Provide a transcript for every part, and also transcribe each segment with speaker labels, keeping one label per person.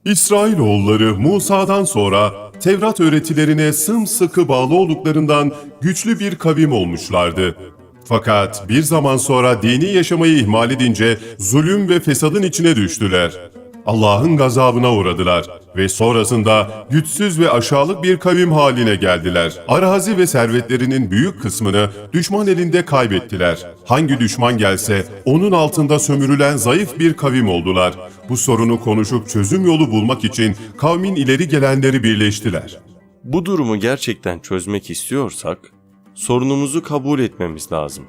Speaker 1: İsrailoğulları Musa'dan sonra Tevrat öğretilerine sımsıkı bağlı olduklarından güçlü bir kavim olmuşlardı. Fakat bir zaman sonra dini yaşamayı ihmal edince zulüm ve fesadın içine düştüler. Allah'ın gazabına uğradılar ve sonrasında güçsüz ve aşağılık bir kavim haline geldiler. Arazi ve servetlerinin büyük kısmını düşman elinde kaybettiler. Hangi düşman gelse onun altında sömürülen zayıf bir kavim oldular. Bu sorunu konuşup çözüm yolu bulmak için kavmin ileri gelenleri birleştiler.
Speaker 2: Bu durumu gerçekten çözmek istiyorsak sorunumuzu kabul etmemiz lazım.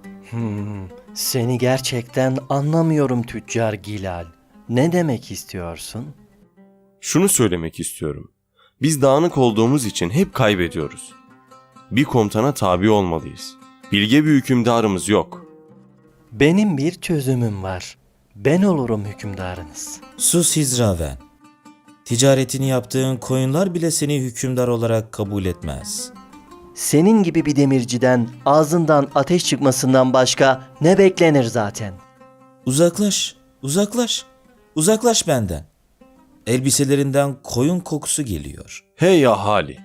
Speaker 3: Seni gerçekten anlamıyorum Tüccar Gilal. Ne demek istiyorsun?
Speaker 2: Şunu söylemek istiyorum. Biz dağınık olduğumuz için hep kaybediyoruz. Bir komutana tabi olmalıyız. Bilge bir hükümdarımız yok.
Speaker 3: Benim bir çözümüm var. Ben olurum hükümdarınız.
Speaker 4: Sus Hizraven. Ticaretini yaptığın koyunlar bile seni hükümdar olarak kabul etmez.
Speaker 3: Senin gibi bir demirciden ağzından ateş çıkmasından başka ne beklenir zaten?
Speaker 4: Uzaklaş, uzaklaş, uzaklaş benden. Elbiselerinden koyun kokusu geliyor.
Speaker 2: Hey ahali!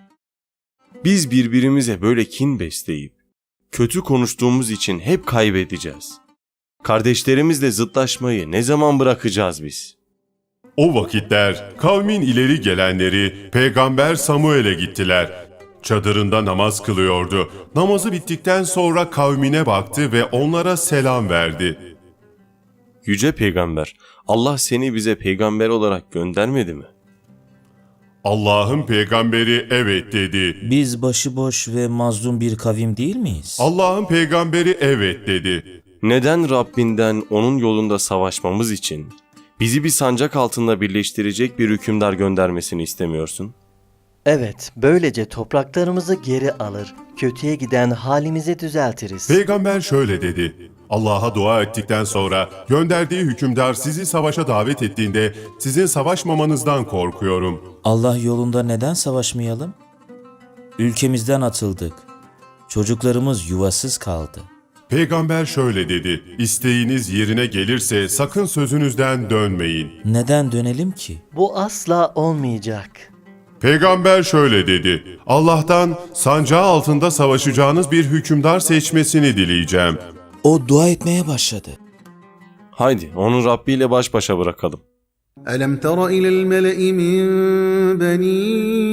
Speaker 2: Biz birbirimize böyle kin besleyip kötü konuştuğumuz için hep kaybedeceğiz. Kardeşlerimizle zıtlaşmayı ne zaman bırakacağız biz?
Speaker 1: O vakitler kavmin ileri gelenleri Peygamber Samuel'e gittiler. Çadırında namaz kılıyordu. Namazı bittikten sonra kavmine baktı ve onlara selam verdi.
Speaker 2: Yüce Peygamber, Allah seni bize peygamber olarak göndermedi mi?
Speaker 1: Allah'ın peygamberi evet dedi.
Speaker 4: Biz başıboş ve mazlum bir kavim değil miyiz?
Speaker 1: Allah'ın peygamberi evet dedi.
Speaker 2: Neden Rabbinden onun yolunda savaşmamız için bizi bir sancak altında birleştirecek bir hükümdar göndermesini istemiyorsun?
Speaker 3: Evet, böylece topraklarımızı geri alır, kötüye giden halimizi düzeltiriz.
Speaker 1: Peygamber şöyle dedi. Allah'a dua ettikten sonra gönderdiği hükümdar sizi savaşa davet ettiğinde sizin savaşmamanızdan korkuyorum.
Speaker 4: Allah yolunda neden savaşmayalım? Ülkemizden atıldık. Çocuklarımız yuvasız kaldı.
Speaker 1: Peygamber şöyle dedi. İsteğiniz yerine gelirse sakın sözünüzden dönmeyin.
Speaker 4: Neden dönelim ki?
Speaker 3: Bu asla olmayacak.
Speaker 1: Peygamber şöyle dedi. Allah'tan sancağı altında savaşacağınız bir hükümdar seçmesini dileyeceğim.
Speaker 4: O dua etmeye başladı.
Speaker 2: Haydi onu Rabbi ile baş başa bırakalım.
Speaker 5: ألم تر إلى الملأ من بني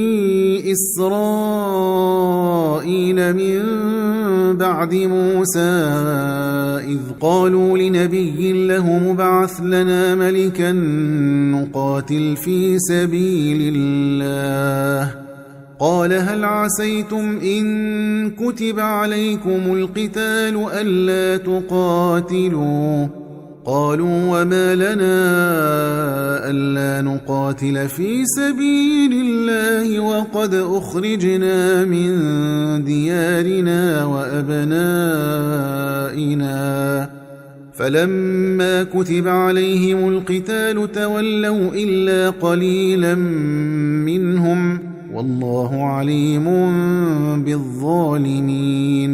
Speaker 5: إسرائيل من بعد موسى إذ قالوا لنبي له مبعث لنا ملكا نقاتل في سبيل الله قال هل عسيتم إن كتب عليكم القتال ألا تقاتلوا قالوا وما لنا ألا نقاتل في سبيل الله وقد أخرجنا من ديارنا وأبنائنا فلما كتب عليهم القتال تولوا إلا قليلا منهم والله عليم بالظالمين.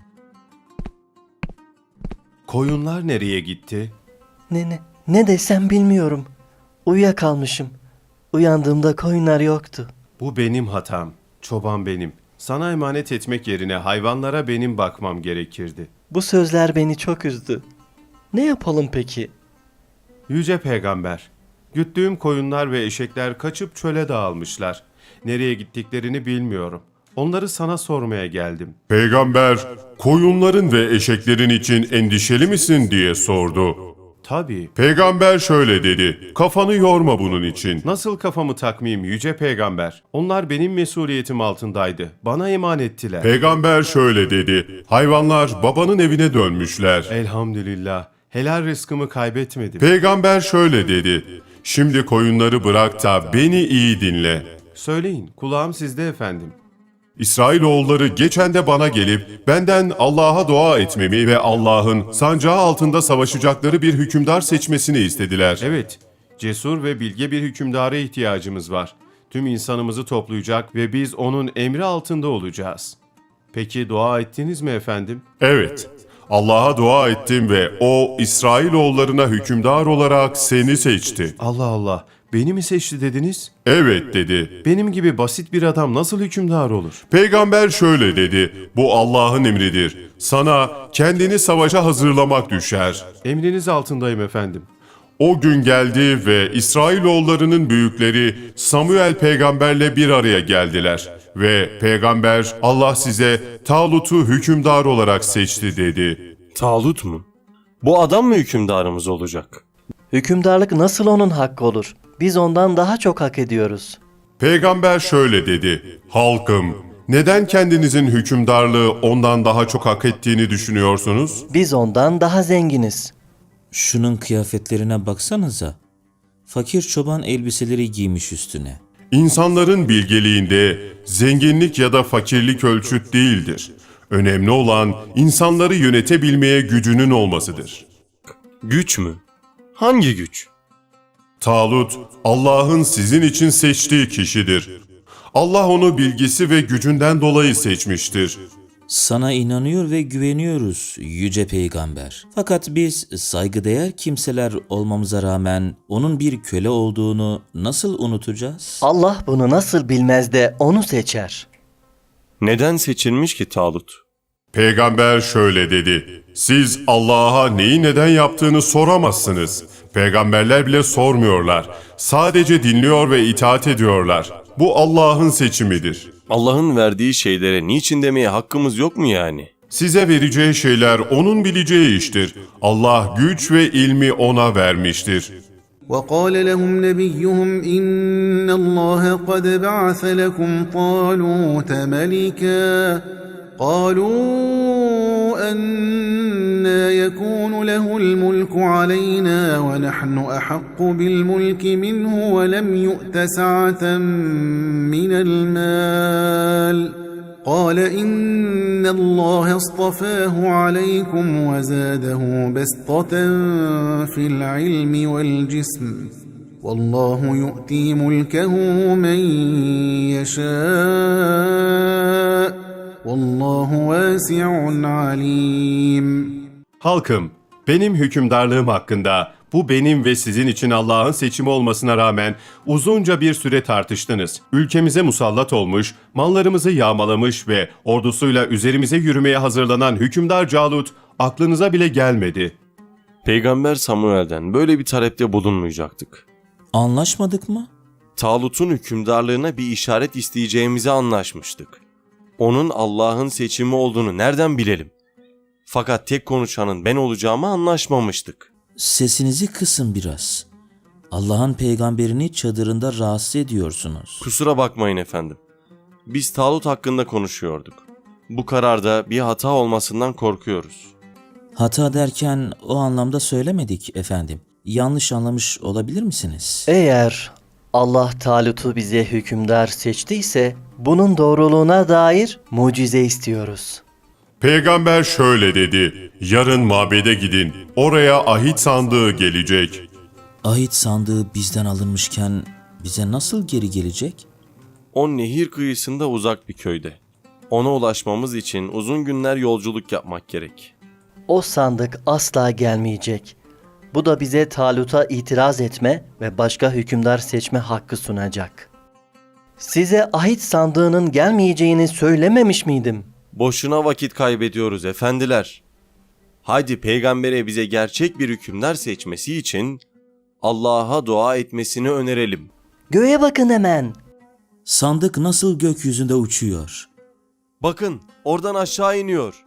Speaker 1: Koyunlar nereye gitti?
Speaker 3: Ne desem bilmiyorum. Uyuyakalmışım. Uyandığımda koyunlar yoktu.
Speaker 1: Bu benim hatam. Çoban benim. Sana emanet etmek yerine hayvanlara benim bakmam gerekirdi.
Speaker 3: Bu sözler beni çok üzdü. Ne yapalım peki?
Speaker 1: Yüce Peygamber, güttüğüm koyunlar ve eşekler kaçıp çöle dağılmışlar. Nereye gittiklerini bilmiyorum. Onları sana sormaya geldim. Peygamber, koyunların ve eşeklerin için endişeli misin diye sordu. Tabii. Peygamber şöyle dedi. Kafanı yorma bunun için. Nasıl kafamı takmayayım yüce peygamber? Onlar benim mesuliyetim altındaydı. Bana emanettiler. Peygamber şöyle dedi. Hayvanlar babanın evine dönmüşler. Elhamdülillah. Helal rızkımı kaybetmedim. Peygamber şöyle dedi. Şimdi koyunları bırak da beni iyi dinle. Söyleyin, kulağım sizde efendim. İsrailoğulları geçen de bana gelip benden Allah'a dua etmemi ve Allah'ın sancağı altında savaşacakları bir hükümdar seçmesini istediler. Evet, cesur ve bilge bir hükümdara ihtiyacımız var. Tüm insanımızı toplayacak ve biz onun emri altında olacağız. Peki dua ettiniz mi efendim? Evet. Allah'a dua ettim ve o İsrailoğullarına hükümdar olarak seni seçti. Allah Allah. Beni mi seçti dediniz?
Speaker 6: Evet dedi.
Speaker 1: Benim gibi basit bir adam nasıl hükümdar olur?
Speaker 6: Peygamber şöyle dedi. Bu Allah'ın emridir. Sana kendini savaşa hazırlamak düşer.
Speaker 1: Emriniz altındayım efendim.
Speaker 6: O gün geldi ve İsrailoğullarının büyükleri Samuel peygamberle bir araya geldiler. Ve peygamber Allah size Talut'u hükümdar olarak seçti dedi.
Speaker 2: Talut mu? Bu adam mı hükümdarımız olacak?
Speaker 3: Hükümdarlık nasıl onun hakkı olur? Biz ondan daha çok hak ediyoruz.
Speaker 6: Peygamber şöyle dedi. Halkım, neden kendinizin hükümdarlığı ondan daha çok hak ettiğini düşünüyorsunuz?
Speaker 3: Biz ondan daha zenginiz.
Speaker 4: Şunun kıyafetlerine baksanıza. Fakir çoban elbiseleri giymiş üstüne.
Speaker 6: İnsanların bilgeliğinde zenginlik ya da fakirlik ölçüt değildir. Önemli olan insanları yönetebilmeye gücünün olmasıdır.
Speaker 2: Güç mü? Hangi güç?
Speaker 6: Talut, Allah'ın sizin için seçtiği kişidir. Allah onu bilgisi ve gücünden dolayı seçmiştir.
Speaker 4: Sana inanıyor ve güveniyoruz yüce peygamber. Fakat biz saygıdeğer kimseler olmamıza rağmen onun bir köle olduğunu nasıl unutacağız?
Speaker 3: Allah bunu nasıl bilmez de onu seçer.
Speaker 2: Neden seçilmiş ki Talut?
Speaker 6: Peygamber şöyle dedi. Siz Allah'a neyi neden yaptığını soramazsınız. Peygamberler bile sormuyorlar. Sadece dinliyor ve itaat ediyorlar. Bu Allah'ın seçimidir.
Speaker 2: Allah'ın verdiği şeylere niçin demeye hakkımız yok mu yani?
Speaker 6: Size vereceği şeyler onun bileceği iştir. Allah güç ve ilmi ona vermiştir.
Speaker 5: وقال لهم نبيهم إن الله قد بعث لكم طالوت ملكا قالوا أنا يكون له الملك علينا ونحن أحق بالملك منه ولم يؤت سعة من المال قال إن الله اصطفاه عليكم وزاده بسطة في العلم والجسم والله يؤتي ملكه من يشاء والله واسع عليم.
Speaker 1: Halkım, benim hükümdarlığım hakkında bu benim ve sizin için Allah'ın seçimi olmasına rağmen uzunca bir süre tartıştınız. Ülkemize musallat olmuş, mallarımızı yağmalamış ve ordusuyla üzerimize yürümeye hazırlanan hükümdar Calut aklınıza bile gelmedi.
Speaker 2: Peygamber Samuel'den böyle bir talepte bulunmayacaktık.
Speaker 4: Anlaşmadık mı?
Speaker 2: Talut'un hükümdarlığına bir işaret isteyeceğimizi anlaşmıştık. Onun Allah'ın seçimi olduğunu nereden bilelim? Fakat tek konuşanın ben olacağımı anlaşmamıştık.
Speaker 4: Sesinizi kısın biraz. Allah'ın peygamberini çadırında rahatsız ediyorsunuz.
Speaker 2: Kusura bakmayın efendim. Biz Talut hakkında konuşuyorduk. Bu kararda bir hata olmasından korkuyoruz.
Speaker 4: Hata derken o anlamda söylemedik efendim. Yanlış anlamış olabilir misiniz?
Speaker 3: Eğer Allah Talut'u bize hükümdar seçtiyse bunun doğruluğuna dair mucize istiyoruz.
Speaker 6: Peygamber şöyle dedi. Yarın mabede gidin. Oraya ahit sandığı gelecek.
Speaker 4: Ahit sandığı bizden alınmışken bize nasıl geri gelecek?
Speaker 2: O nehir kıyısında uzak bir köyde. Ona ulaşmamız için uzun günler yolculuk yapmak gerek.
Speaker 3: O sandık asla gelmeyecek. Bu da bize Talut'a itiraz etme ve başka hükümdar seçme hakkı sunacak. Size ahit sandığının gelmeyeceğini söylememiş miydim?
Speaker 2: Boşuna vakit kaybediyoruz efendiler. Haydi peygambere bize gerçek bir hükümdar seçmesi için Allah'a dua etmesini önerelim.
Speaker 3: Göğe bakın hemen.
Speaker 4: Sandık nasıl gökyüzünde uçuyor?
Speaker 2: Bakın oradan aşağı iniyor.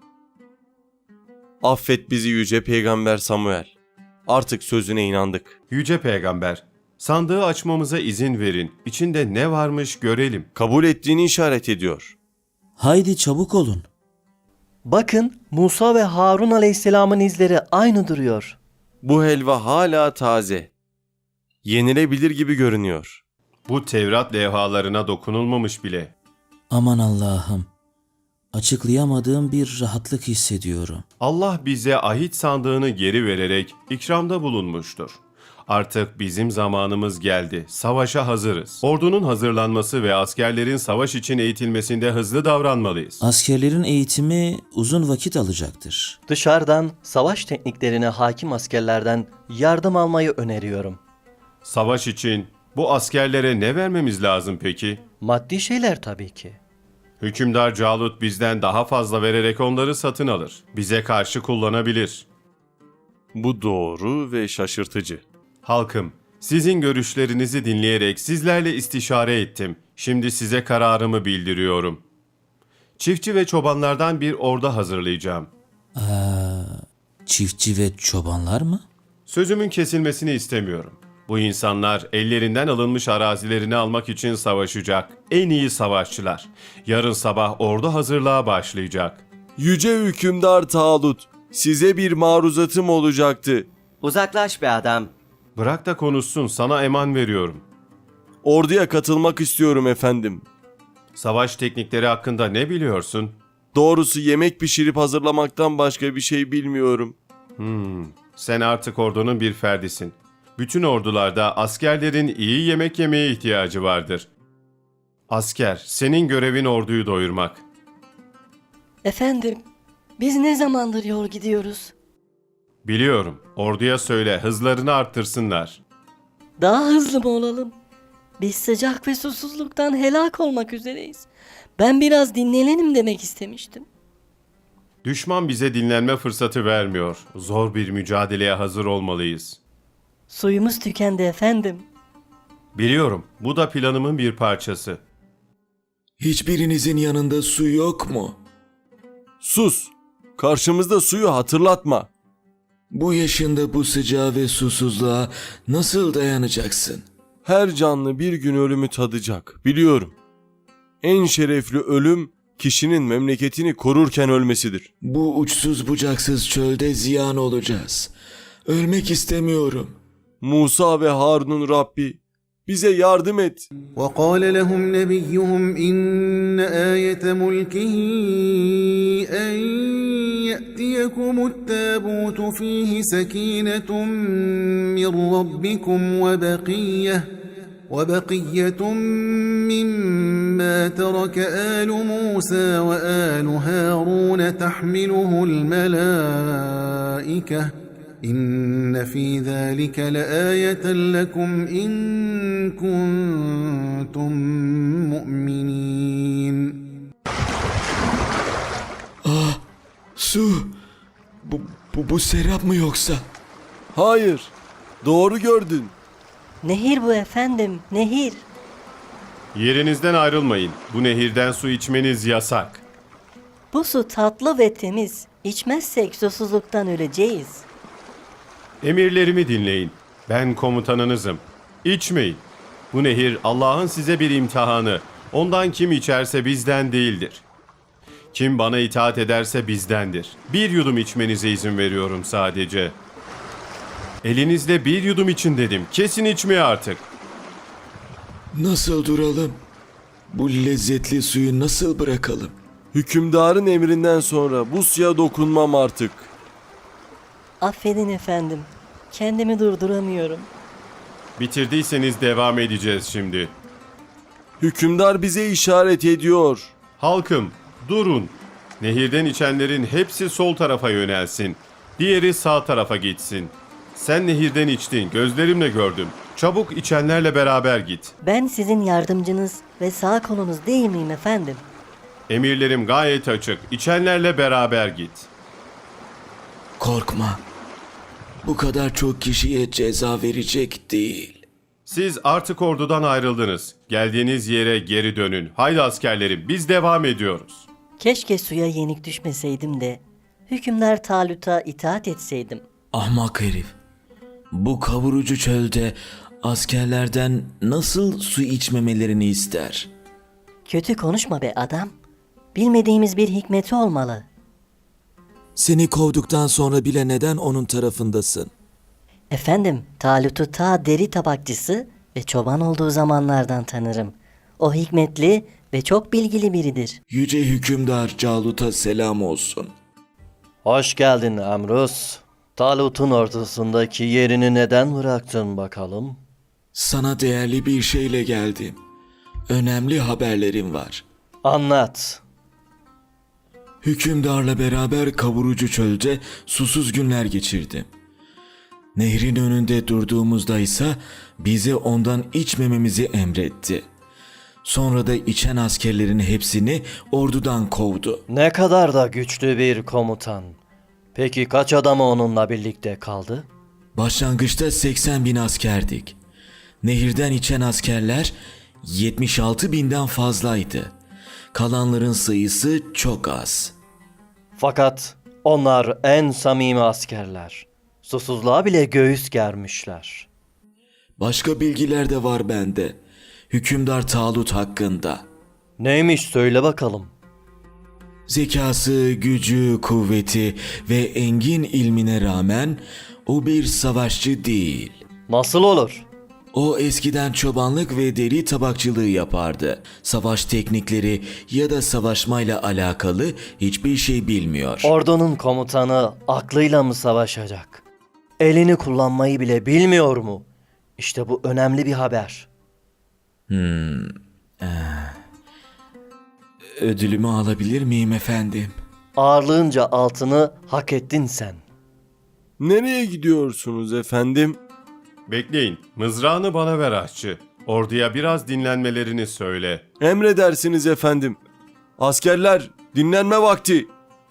Speaker 2: Affet bizi yüce peygamber Samuel. Artık sözüne inandık.
Speaker 1: Yüce Peygamber, sandığı açmamıza izin verin. İçinde ne varmış görelim.
Speaker 2: Kabul ettiğini işaret ediyor.
Speaker 4: Haydi çabuk olun.
Speaker 3: Bakın Musa ve Harun aleyhisselamın izleri aynı duruyor.
Speaker 2: Bu helva hala taze. Yenilebilir gibi görünüyor.
Speaker 1: Bu Tevrat levhalarına dokunulmamış bile.
Speaker 4: Aman Allah'ım. Açıklayamadığım bir rahatlık hissediyorum.
Speaker 1: Allah bize ahit sandığını geri vererek ikramda bulunmuştur. Artık bizim zamanımız geldi. Savaşa hazırız. Ordunun hazırlanması ve askerlerin savaş için eğitilmesinde hızlı davranmalıyız.
Speaker 4: Askerlerin eğitimi uzun vakit alacaktır.
Speaker 3: Dışarıdan savaş tekniklerine hakim askerlerden yardım almayı öneriyorum.
Speaker 1: Savaş için Bu askerlere ne vermemiz lazım peki?
Speaker 3: Maddi şeyler tabii ki.
Speaker 1: Hükümdar Calut bizden daha fazla vererek onları satın alır. Bize karşı kullanabilir.
Speaker 2: Bu doğru ve şaşırtıcı.
Speaker 1: Halkım, sizin görüşlerinizi dinleyerek sizlerle istişare ettim. Şimdi size kararımı bildiriyorum. Çiftçi ve çobanlardan bir ordu hazırlayacağım.
Speaker 4: Çiftçi ve çobanlar mı?
Speaker 1: Sözümün kesilmesini istemiyorum. Bu insanlar ellerinden alınmış arazilerini almak için savaşacak. En iyi savaşçılar. Yarın sabah ordu hazırlığa başlayacak.
Speaker 2: Yüce hükümdar Talut, size bir maruzatım olacaktı.
Speaker 7: Uzaklaş be adam.
Speaker 1: Bırak da konuşsun, sana eman veriyorum.
Speaker 2: Orduya katılmak istiyorum efendim.
Speaker 1: Savaş teknikleri hakkında ne biliyorsun?
Speaker 2: Doğrusu yemek pişirip hazırlamaktan başka bir şey bilmiyorum.
Speaker 1: Sen artık ordunun bir ferdisin. Bütün ordularda askerlerin iyi yemek yemeye ihtiyacı vardır. Asker, senin görevin orduyu doyurmak.
Speaker 8: Efendim, biz ne zamandır yol gidiyoruz?
Speaker 1: Biliyorum, orduya söyle hızlarını arttırsınlar.
Speaker 8: Daha hızlı mı olalım? Biz sıcak ve susuzluktan helak olmak üzereyiz. Ben biraz dinlenelim demek istemiştim.
Speaker 1: Düşman bize dinlenme fırsatı vermiyor. Zor bir mücadeleye hazır olmalıyız.
Speaker 8: Suyumuz tükendi efendim.
Speaker 1: Biliyorum, bu da planımın bir parçası.
Speaker 9: Hiçbirinizin yanında su yok mu?
Speaker 2: Sus! Karşımızda suyu hatırlatma.
Speaker 9: Bu yaşında bu sıcağa ve susuzluğa nasıl dayanacaksın?
Speaker 2: Her canlı bir gün ölümü tadacak, biliyorum. En şerefli ölüm, kişinin memleketini korurken ölmesidir.
Speaker 9: Bu uçsuz bucaksız çölde ziyan olacağız. Ölmek istemiyorum.
Speaker 2: Musa ve Harun'un Rabbi, bize yardım et.
Speaker 5: وقال لهم نبيهم إن آية ملكه أن يأتيكم التابوت فيه سكينة من ربكم وبقية مما ترك آل موسى وآل هارون تحمله الملائكة إن في ذلك لآية لكم إن كنتم مؤمنين.
Speaker 9: Su! Bu serap mı yoksa?
Speaker 2: Hayır, doğru gördün.
Speaker 8: Nehir bu efendim, nehir.
Speaker 1: Yerinizden ayrılmayın. Bu nehirden su içmeniz yasak.
Speaker 8: Bu su tatlı ve temiz. İçmezsek susuzluktan öleceğiz.
Speaker 1: Emirlerimi dinleyin. Ben komutanınızım. İçmeyin. Bu nehir Allah'ın size bir imtihanı. Ondan kim içerse bizden değildir. Kim bana itaat ederse bizdendir. Bir yudum içmenize izin veriyorum sadece. Elinizde bir yudum için dedim. Kesin içmeye artık.
Speaker 9: Nasıl duralım? Bu lezzetli suyu nasıl bırakalım?
Speaker 2: Hükümdarın emrinden sonra bu suya dokunmam artık.
Speaker 8: Affedin efendim. Kendimi durduramıyorum.
Speaker 1: Bitirdiyseniz devam edeceğiz şimdi.
Speaker 2: Hükümdar bize işaret ediyor.
Speaker 1: Halkım, durun. Nehirden içenlerin hepsi sol tarafa yönelsin. Diğeri sağ tarafa gitsin. Sen nehirden içtin, gözlerimle gördüm. Çabuk içenlerle beraber git.
Speaker 8: Ben sizin yardımcınız ve sağ kolunuz değil miyim efendim?
Speaker 1: Emirlerim gayet açık. İçenlerle beraber git.
Speaker 9: Korkma. Bu kadar çok kişiye ceza verecek değil.
Speaker 1: Siz artık ordudan ayrıldınız. Geldiğiniz yere geri dönün. Haydi askerlerim, biz devam ediyoruz.
Speaker 8: Keşke suya yenik düşmeseydim de hükümdar Talut'a itaat etseydim.
Speaker 9: Ahmak herif. Bu kavurucu çölde askerlerden nasıl su içmemelerini ister?
Speaker 8: Kötü konuşma be adam. Bilmediğimiz bir hikmeti olmalı.
Speaker 9: Seni kovduktan sonra bile neden onun tarafındasın?
Speaker 8: Efendim, Talut'u ta deri tabakçısı ve çoban olduğu zamanlardan tanırım. O hikmetli ve çok bilgili biridir.
Speaker 9: Yüce hükümdar Calut'a selam olsun.
Speaker 3: Hoş geldin Amrus. Talut'un ortasındaki yerini neden bıraktın bakalım?
Speaker 9: Sana değerli bir şeyle geldim. Önemli haberlerim var.
Speaker 3: Anlat.
Speaker 9: Hükümdarla beraber kavurucu çölde susuz günler geçirdim. Nehrin önünde durduğumuzda ise bize ondan içmememizi emretti. Sonra da içen askerlerin hepsini ordudan kovdu.
Speaker 3: Ne kadar da güçlü bir komutan. Peki kaç adamı onunla birlikte kaldı?
Speaker 9: Başlangıçta 80.000 askerdik. Nehirden içen askerler 76.000'den fazlaydı. Kalanların sayısı çok az.
Speaker 3: Fakat onlar en samimi askerler. Susuzluğa bile göğüs germişler.
Speaker 9: Başka bilgiler de var bende. Hükümdar Talut hakkında.
Speaker 3: Neymiş söyle bakalım.
Speaker 9: Zekası, gücü, kuvveti ve engin ilmine rağmen o bir savaşçı değil.
Speaker 3: Nasıl olur?
Speaker 9: O eskiden çobanlık ve deri tabakçılığı yapardı. Savaş teknikleri ya da savaşmayla alakalı hiçbir şey bilmiyor.
Speaker 3: Ordunun komutanı aklıyla mı savaşacak? Elini kullanmayı bile bilmiyor mu? İşte bu önemli bir haber.
Speaker 9: Ödülümü alabilir miyim efendim?
Speaker 3: Ağırlığınca altını hak ettin sen.
Speaker 2: Nereye gidiyorsunuz efendim?
Speaker 1: Bekleyin, mızrağını bana ver aşçı. Orduya biraz dinlenmelerini söyle.
Speaker 2: Emredersiniz efendim. Askerler, dinlenme vakti.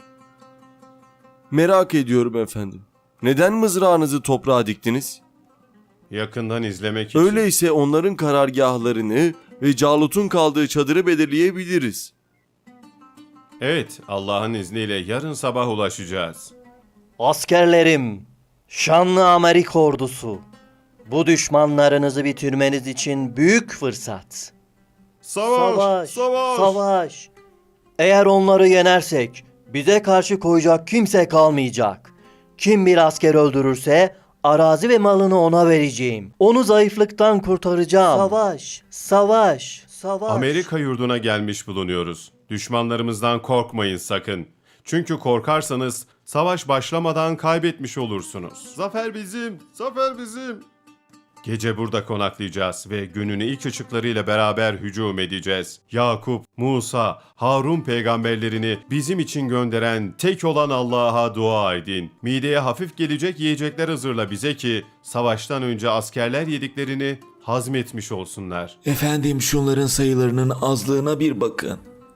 Speaker 2: Merak ediyorum efendim. Neden mızrağınızı toprağa diktiniz?
Speaker 1: Yakından izlemek için.
Speaker 2: Öyleyse onların karargahlarını ve Calut'un kaldığı çadırı belirleyebiliriz.
Speaker 1: Evet, Allah'ın izniyle yarın sabah ulaşacağız.
Speaker 3: Askerlerim, şanlı Amerika ordusu. Bu düşmanlarınızı bitirmeniz için büyük fırsat.
Speaker 1: Savaş!
Speaker 3: Savaş. Eğer onları yenersek bize karşı koyacak kimse kalmayacak. Kim bir asker öldürürse arazi ve malını ona vereceğim. Onu zayıflıktan kurtaracağım. Savaş.
Speaker 1: Amerika yurduna gelmiş bulunuyoruz. Düşmanlarımızdan korkmayın sakın. Çünkü korkarsanız savaş başlamadan kaybetmiş olursunuz. Zafer bizim, zafer bizim. Gece burada konaklayacağız ve günün ilk ışıklarıyla beraber hücum edeceğiz. Yakup, Musa, Harun peygamberlerini bizim için gönderen tek olan Allah'a dua edin. Mideye hafif gelecek yiyecekler hazırla bize ki savaştan önce askerler yediklerini hazmetmiş olsunlar.
Speaker 9: Efendim şunların sayılarının azlığına bir bakın.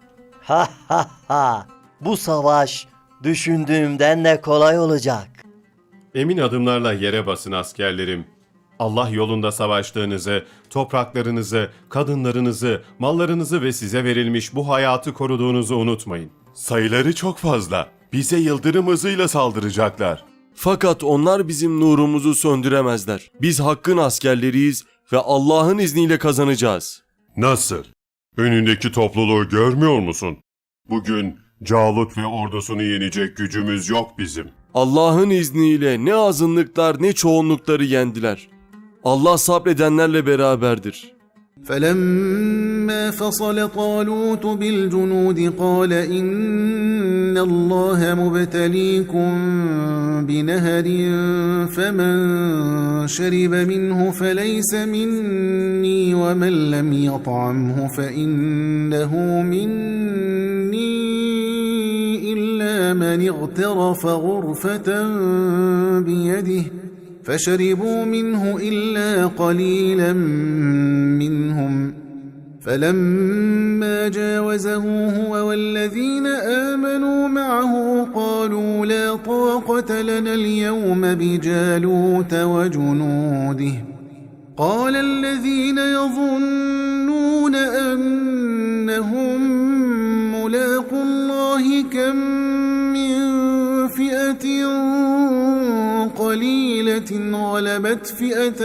Speaker 3: Ha. Bu savaş düşündüğümden de kolay olacak.
Speaker 1: Emin adımlarla yere basın askerlerim. Allah yolunda savaştığınızı, topraklarınızı, kadınlarınızı, mallarınızı ve size verilmiş bu hayatı koruduğunuzu unutmayın. Sayıları çok fazla. Bize yıldırım hızıyla saldıracaklar.
Speaker 2: Fakat onlar bizim nurumuzu söndüremezler. Biz Hakk'ın askerleriyiz ve Allah'ın izniyle kazanacağız.
Speaker 6: Nasıl? Önündeki topluluğu görmüyor musun? Bugün Calut ve ordusunu yenecek gücümüz yok bizim.
Speaker 2: Allah'ın izniyle ne azınlıklar ne çoğunlukları yendiler. Allah sabredenlerle beraberdir.
Speaker 5: فلما فصل طالوت بالجنود قال إن الله مبتليكم بنهر فمن شرب منه فليس مني ومن لم يطعمه فإنه مني إلا من اغترف غرفة بيده فشربوا منه إلا قليلا منهم فلما جاوزه هو والذين آمنوا معه قالوا لا طاقة لنا اليوم بجالوت وجنوده قال الذين يظنون أنهم ملاقو الله كم من فئة قليلة غلبت فئة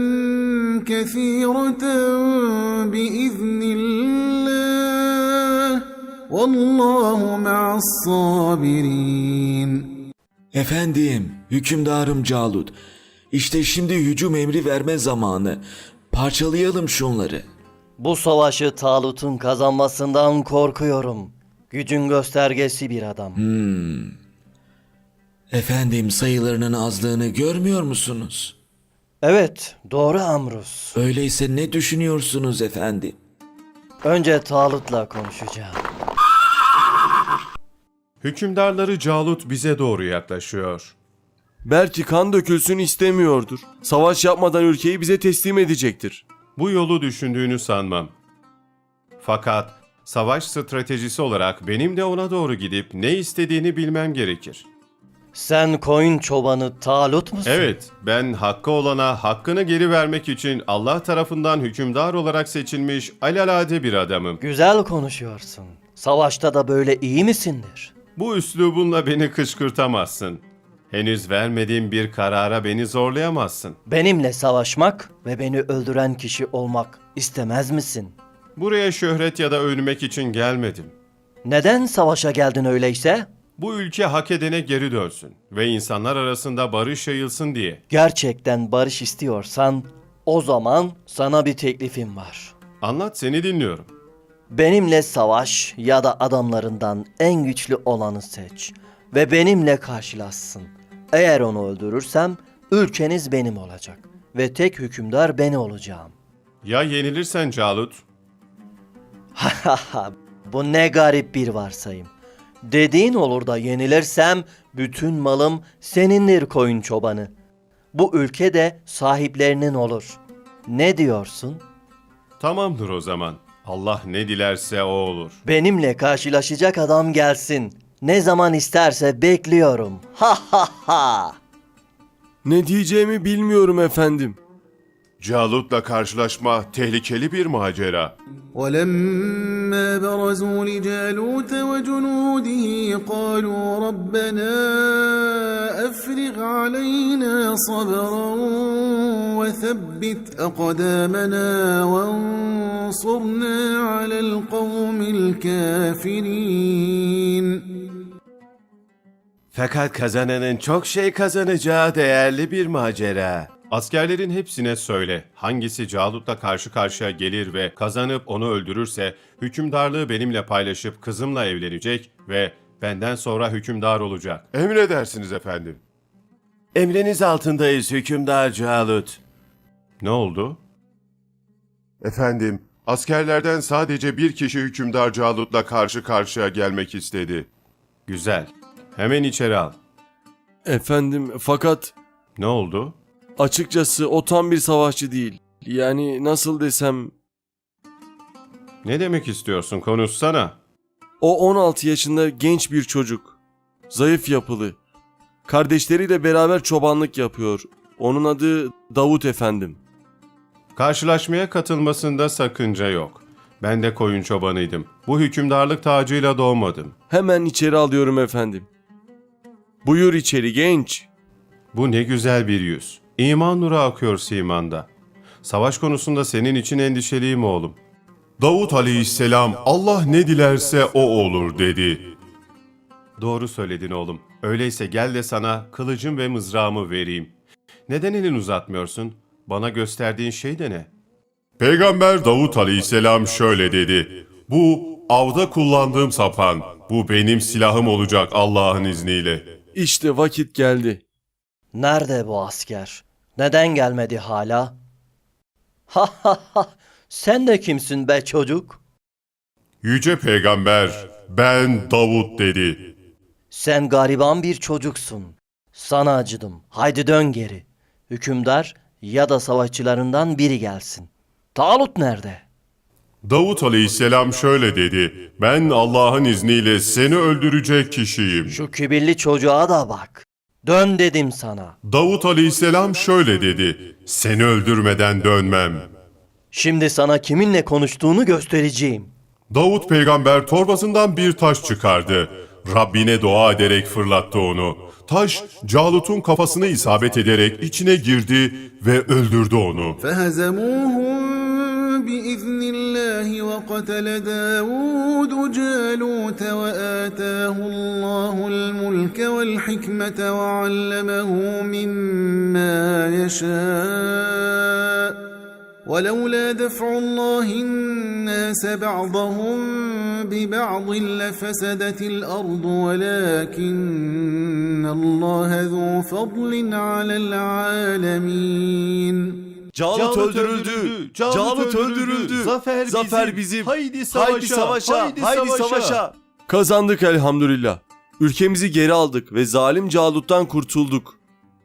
Speaker 5: كثيرة بإذن الله والله مع الصابرين.
Speaker 9: Efendim, hükümdarım Calut. İşte şimdi hücum emri verme zamanı. Parçalayalım şunları.
Speaker 3: Bu savaşı Talut'un kazanmasından korkuyorum. Gücün göstergesi bir adam.
Speaker 9: Efendim sayılarının azlığını görmüyor musunuz?
Speaker 3: Evet, doğru Amrus.
Speaker 9: Öyleyse ne düşünüyorsunuz efendim?
Speaker 3: Önce Talut'la konuşacağım.
Speaker 1: Hükümdarları Calut bize doğru yaklaşıyor.
Speaker 2: Belki kan dökülsün istemiyordur. Savaş yapmadan ülkeyi bize teslim edecektir.
Speaker 1: Bu yolu düşündüğünü sanmam. Fakat savaş stratejisi olarak benim de ona doğru gidip ne istediğini bilmem gerekir.
Speaker 3: Sen koyun çobanı Talut musun?
Speaker 1: Evet, ben hakkı olana hakkını geri vermek için Allah tarafından hükümdar olarak seçilmiş alelade bir adamım.
Speaker 3: Güzel konuşuyorsun. Savaşta da böyle iyi misindir?
Speaker 1: Bu üslubunla beni kışkırtamazsın. Henüz vermediğim bir karara beni zorlayamazsın.
Speaker 3: Benimle savaşmak ve beni öldüren kişi olmak istemez misin?
Speaker 1: Buraya şöhret ya da övünmek için gelmedim.
Speaker 3: Neden savaşa geldin öyleyse?
Speaker 1: Bu ülke hak edene geri dönsün ve insanlar arasında barış yayılsın diye.
Speaker 3: Gerçekten barış istiyorsan o zaman sana bir teklifim var.
Speaker 1: Anlat, seni dinliyorum.
Speaker 3: Benimle savaş ya da adamlarından en güçlü olanı seç ve benimle karşılaşsın. Eğer onu öldürürsem ülkeniz benim olacak ve tek hükümdar ben olacağım.
Speaker 1: Ya yenilirsen Calut?
Speaker 3: Hahaha, bu ne garip bir varsayım. Dediğin olur da yenilirsem bütün malım senindir koyun çobanı. Bu ülke de sahiplerinin olur. Ne diyorsun?
Speaker 1: Tamamdır o zaman. Allah ne dilerse o olur.
Speaker 3: Benimle karşılaşacak adam gelsin. Ne zaman isterse bekliyorum. Ha ha ha.
Speaker 2: Ne diyeceğimi bilmiyorum efendim.
Speaker 6: Calut'la karşılaşma tehlikeli bir macera.
Speaker 5: ولما برزوا لجالوت وجنوده قالوا ربنا أفرغ علينا صبرا وثبت أقدامنا وانصرنا على القوم الكافرين.
Speaker 1: Fakat kazananın çok şey kazanacağı değerli bir macera. Askerlerin hepsine söyle, hangisi Calut'la karşı karşıya gelir ve kazanıp onu öldürürse, hükümdarlığı benimle paylaşıp kızımla evlenecek ve benden sonra hükümdar olacak.
Speaker 6: Emredersiniz efendim.
Speaker 1: Emriniz altındayız hükümdar Calut. Ne oldu?
Speaker 6: Efendim, askerlerden sadece bir kişi hükümdar Calut'la karşı karşıya gelmek istedi.
Speaker 1: Güzel. Hemen içeri al.
Speaker 2: Efendim fakat
Speaker 1: Ne oldu?
Speaker 2: açıkçası o tam bir savaşçı değil. Yani nasıl desem,
Speaker 1: Ne demek istiyorsun? Konuşsana.
Speaker 2: o 16 yaşında genç bir çocuk. Zayıf yapılı. Kardeşleriyle beraber çobanlık yapıyor. Onun adı Davut efendim.
Speaker 1: Karşılaşmaya katılmasında sakınca yok. Ben de koyun çobanıydım. Bu hükümdarlık tacıyla doğmadım.
Speaker 2: Hemen içeri alıyorum efendim. Buyur içeri genç.
Speaker 1: Bu ne güzel bir yüz. İman nuru akıyor simanda. Savaş konusunda senin için endişeliyim oğlum.
Speaker 6: Davut aleyhisselam Allah ne dilerse o olur dedi.
Speaker 1: Doğru söyledin oğlum. Öyleyse gel de sana kılıcım ve mızrağımı vereyim. Neden elini uzatmıyorsun? Bana gösterdiğin şey de ne?
Speaker 6: Peygamber Davut aleyhisselam şöyle dedi. Bu avda kullandığım sapan. Bu benim silahım olacak Allah'ın izniyle.
Speaker 2: İşte vakit geldi.
Speaker 3: Nerede bu asker? Neden gelmedi hala? Ha ha ha. Sen de kimsin be çocuk?
Speaker 6: Yüce Peygamber ben Davut dedi.
Speaker 3: Sen gariban bir çocuksun. Sana acıdım. Haydi dön geri. Hükümdar ya da savaşçılarından biri gelsin. Talut nerede?
Speaker 6: Davut aleyhisselam şöyle dedi. Ben Allah'ın izniyle seni öldürecek kişiyim.
Speaker 3: Şu kibirli çocuğa da bak. Dön dedim sana.
Speaker 6: Davut aleyhisselam şöyle dedi. Seni öldürmeden dönmem.
Speaker 3: Şimdi sana kiminle konuştuğunu göstereceğim.
Speaker 6: Davut peygamber torbasından bir taş çıkardı. Rabbine dua ederek fırlattı onu. Taş Calut'un kafasına isabet ederek içine girdi ve öldürdü onu.
Speaker 5: فهزموهم بإذن الله وقتل داود جالوت وآتاه الله الملك والحكمة وعلمه مما يشاء ولولا دفع الله الناس بعضهم ببعض لفسدت الأرض ولكن الله ذو فضل على العالمين.
Speaker 2: Calut öldürüldü. Calut öldürüldü. Zafer bizim. Haydi savaşa. Haydi savaşa. Kazandık elhamdülillah. Ülkemizi geri aldık ve zalim Calut'tan kurtulduk.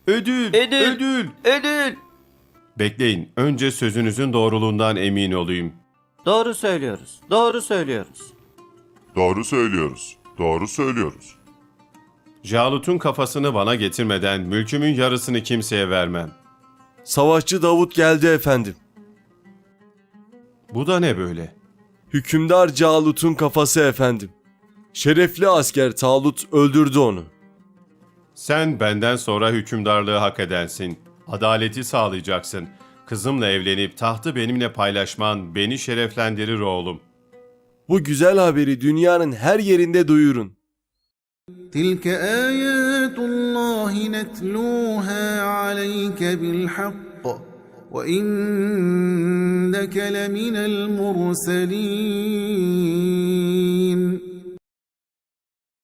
Speaker 1: Ödül! Ödül!
Speaker 3: Ödül!
Speaker 1: Bekleyin, önce sözünüzün doğruluğundan emin olayım.
Speaker 3: Doğru söylüyoruz. Doğru söylüyoruz.
Speaker 6: Doğru söylüyoruz. Doğru söylüyoruz.
Speaker 1: Calut'un kafasını bana getirmeden mülkümün yarısını kimseye vermem.
Speaker 2: Savaşçı Davut geldi efendim.
Speaker 1: Bu da ne böyle?
Speaker 2: Hükümdar Calut'un kafası efendim. Şerefli asker Talut öldürdü onu.
Speaker 1: Sen benden sonra hükümdarlığı hak edensin. Adaleti sağlayacaksın. Kızımla evlenip tahtı benimle paylaşman beni şereflendirir oğlum.
Speaker 2: Bu güzel haberi dünyanın her yerinde duyurun.
Speaker 5: تلك آيات الله نتلوها عليك بالحق وإنك لمن المرسلين